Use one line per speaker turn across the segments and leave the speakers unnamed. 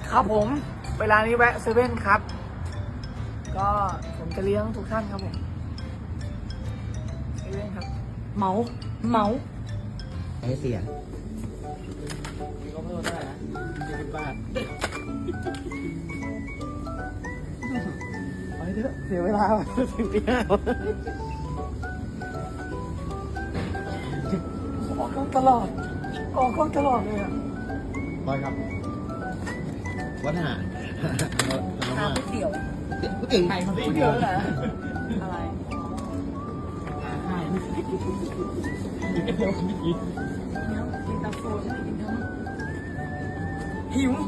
ครับผมเวลานี้แวะเซเว่นครับก็ผมจะเลี้ยงทุกท่านครับผมเซเว่นครับเหมา
ให้เสีย
มีก็เพิ่มได้นะ20 บาทไปเถอะเสียเวลาถึงที่ห้าออกกล้องตลอดเลยอ่ะ
บอยครับวัดหา
หาก๋วยเตี๋ยว
ก๋วยเตี๋ยว
ไข่มันเยอะนะ
อะไร
เดี๋ยวไม่กิน
เนี้ยกินตาโฟฉันไม่กินทั้ง
หิว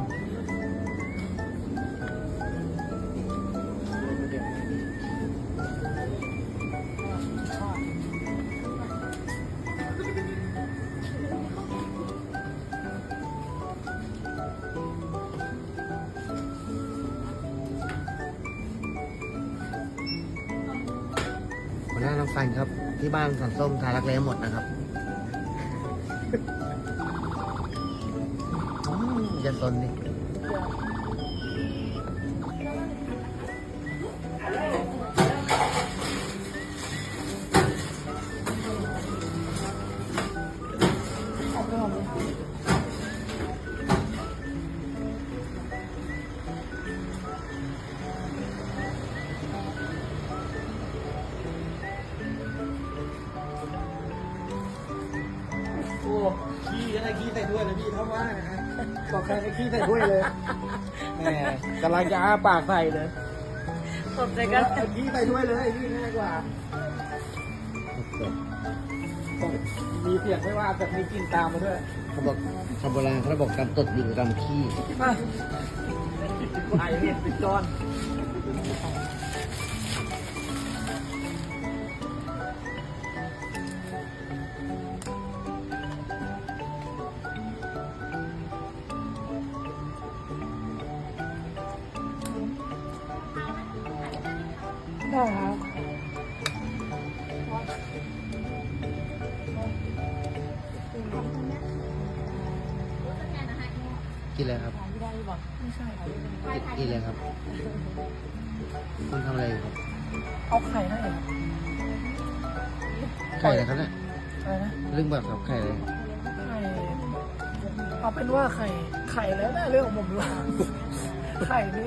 หัวหน้าน้องฟันครับ ที่บ้านสันส้มทารักแร้หมดนะครับอย่าสนดิ
โอ้ขี้อะไรขี้ใส่ถ้วยนะพี่เท่าว่านะฮะบอกใครให้ขี้ใส่ถ้วยเลยแหมกำลังจะอ้าปากใส่เลย
ตบใจกัน
เอาขี้ใส่ถ้วยเลยขี้ง่ายกว่ามีเสียงไม่ว่าแต่มีกลิ่นตามมาด้วย
เขาบอกชาวโบราณเขาบอกการตดอยู่กับการขี้
มาไข่เห็ดติดจอนได้ครับ
กินอะไรครับ
ไม่ได้บอกไม่ใช่
กินอะไรครับคุณทำอะไรอยู่ครับ
เอาไข่ให้เหรอ
ไข่อะไรครับเนี่ย
อะไรนะ
เรื่องแบบกับไข่อะไร
ไข่เอาเป็นว่าไข่แล้วนะเรื่องของผมดีกว่าไข่นี่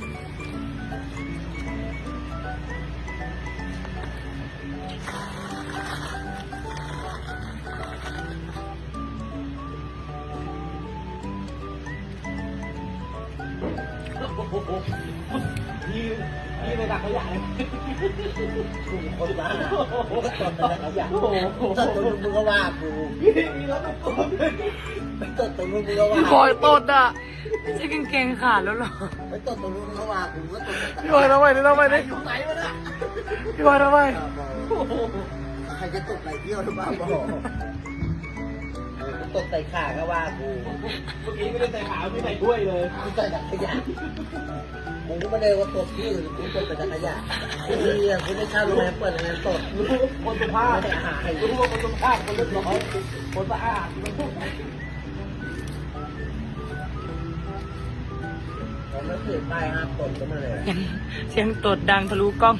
นี่ไปดักขยะเลย
กูคนบ้ากูก็ตดแต่ละอย่างตดตรงนู้นมึงก็ว่ากู
มีรถตุ๊ก
ไปตดตรงนู้นมึงก็ว่า
พี่บอยตดอ่ะ
ไม่ใช่กางเกงขาดแล้วหรอ
ไปตดตรงนู้นมึงก็ว่ากูก็ตดแต่
พี่บอยทำไมนี่อยู่ไหนวะเนี่ยพี่บอยทำไม
ใครจะตดไหลเที่ยวหรือเปล่าบอกตดใส่ขาก็ว่ากู
เมื่อกี้ไม่ได้ใส่ขาวไม่ใส่ถ้วยเลย
กูใส่ถังขยะมึงก็ไม่ได้ว่าตดที่อื่นกูตดแต่ถังขยะกูเนี่ยกูไม่เช่าโรงแรมเปิดโรงแรมตด
คนสุภาพ
ไม่ได้หาใคร
รู้ว่าคนสุภาพคนเรียบร้อยคนสะอาด
ผมไม่ถือป้ายห้ามตดก็มาเลย
เสียงตดดังทะลุกล้อง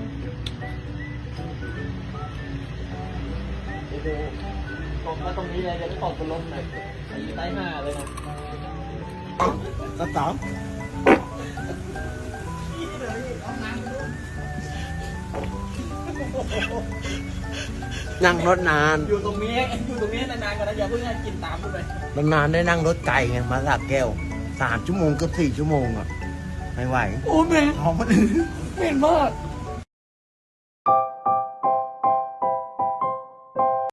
ดูตกมาตรงนี้เลยจะไม่ตกบนลมหน่อยใต้หน้าเลยนะ
ก็สองนั่งรถนาน
อยู่ตรงนี้นานๆก่อนนะอย่าเพิ่งให้กินตามขึ้นไป
นานๆได้นั่งรถไกลไงมาสระแก้ว3 ชั่วโมงเกือบ4 ชั่วโมงอ่ะไม่ไหว
โอ้เหม็น
ท้องมัน
เหม็นมาก